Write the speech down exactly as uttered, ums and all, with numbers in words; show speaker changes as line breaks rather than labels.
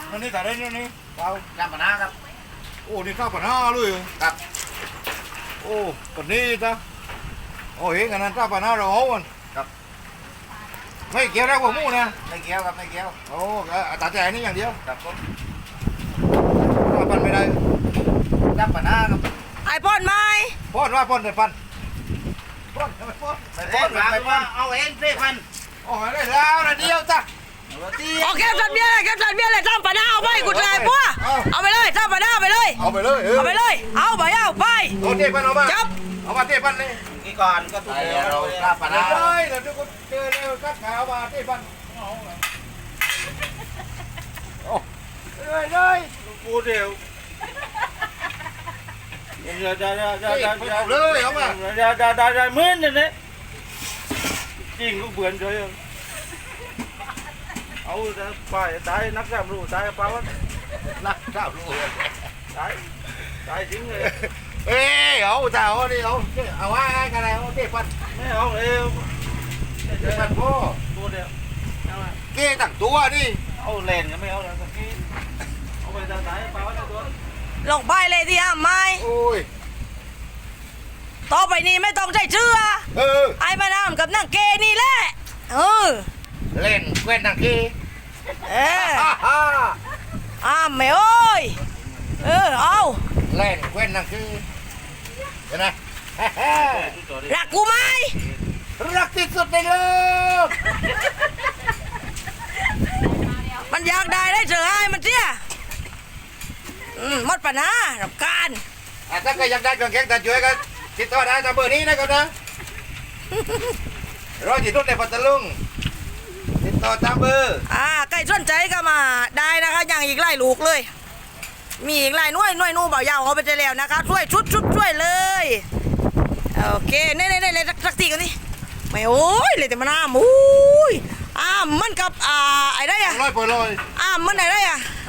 นั่นนี่แต่ได้นี่นี่เอา
จำปนาครับ
โอ้นี่ข้าวปัญหาเลย
ครับ
โอ้ปันนี้จ้ะโอ้เห็นกันนั้นข้าวปัญหาเราเอาวันไม่เกี่ยวแล้วกับหมูนะ
ไม่เกี่ยวครับไม่เกี่ยว
โอ้ตัดใจนี่อย่างเดียว
ครับผม
ข้าวปันไม่ได้
จำปนาครับ
ไอ้ป้อนไม้
ป้อนว่าป้อนแต่ปันป้อนทำไมป้อน
ไปป้อนไปป้อนเอาเองเพื่อน
โอ้ยได้แล้วนะเดียวจ้ะ
ตี
โอเคสันเบี้ยเลยแคปสันเบี้ยเลยจ้าปะหน้าเอาไปกูเลยพวก
เอา
เอาไปเลยจ้าปะหน้าไปเลย
เอาไปเลยเออ
เอาไปเลย เอาไปเอาไป
เอาเทปันเอามา
จับ
เอามาเทปันเลย
กี่ก่อนก็ถูกเราจำป
เล
นาย
เดี๋ยวทุกคนเจอเลยกัดขาวมาเทปันโอ้เลยเลย
กูเดียวเดี๋ยวเดี๋ยวเดี๋ยวเดี๋ยวเดี๋ยว
เอาเลยเอามา
เดี๋ยวเดี๋ยวเดี๋ยวเดี๋ยวมื้อนี่นี่จริงกูเบื่อเลยเอาไปตายนักการรู้ตายเปล่าวะ
นักข้าวลูก
ตายตายจริงเลย
เอ้ยเอาจ้าเอาดิเอาเอาว่ากันแล้วเทปัน
ไม่เอาเอว
เทปันพ่อ
ตัวเดียวเอามา
เก้ตั้งตัวนี่
เอาเลนก็ไม่เอาแล้วตะกี้เอาไปตายตายเปล่าวะตัว
ลงไปเลยที่ห้ามไม้
โอ้ย
ต่อไปนี้ไม่ต้องใช้เชื่อ
เออ
ไอ้มาน้ำกับนั่งเกนี่แหละเออ
เล่นเว้นตั้งที
เออ
ฮ่าฮ่า
อ้ามไม่โอ้ยเออเอา
เล่นเว้นตั้งทีเห็นไหม
รักกูไหม
รักที่สุดในโลก
มันอยากได้ได้เจอไอ้มันเสียอืมหมดปัญหารับ การ
อ่ะถ้าใครอยากได้เครื่องแกงตาช่วยกันติดต่อได้ตามเบอร์นี้นะครับนะรอจีทุนในปัตตาลุงติดต่อตามเบอร์
อ่าใกล้สนใจก็มาได้นะคะอย่างอีกหลายลูกเลย มีอีกหลายหน่วยหน่วยนู่เบายาวเอาไปได้แล้วนะคะช่วยชุดชุดช่วยเลยโอเคเน่เน่เน่เลยสักทีกันนี่ไม่โอ้ยเลยแต่มันอ้ามอุ้ยอ้ามมันกับอ่าไอ้ได้อะ
ร้อยเปอร์ลอย
อ้ามมันไอ้ได้อะ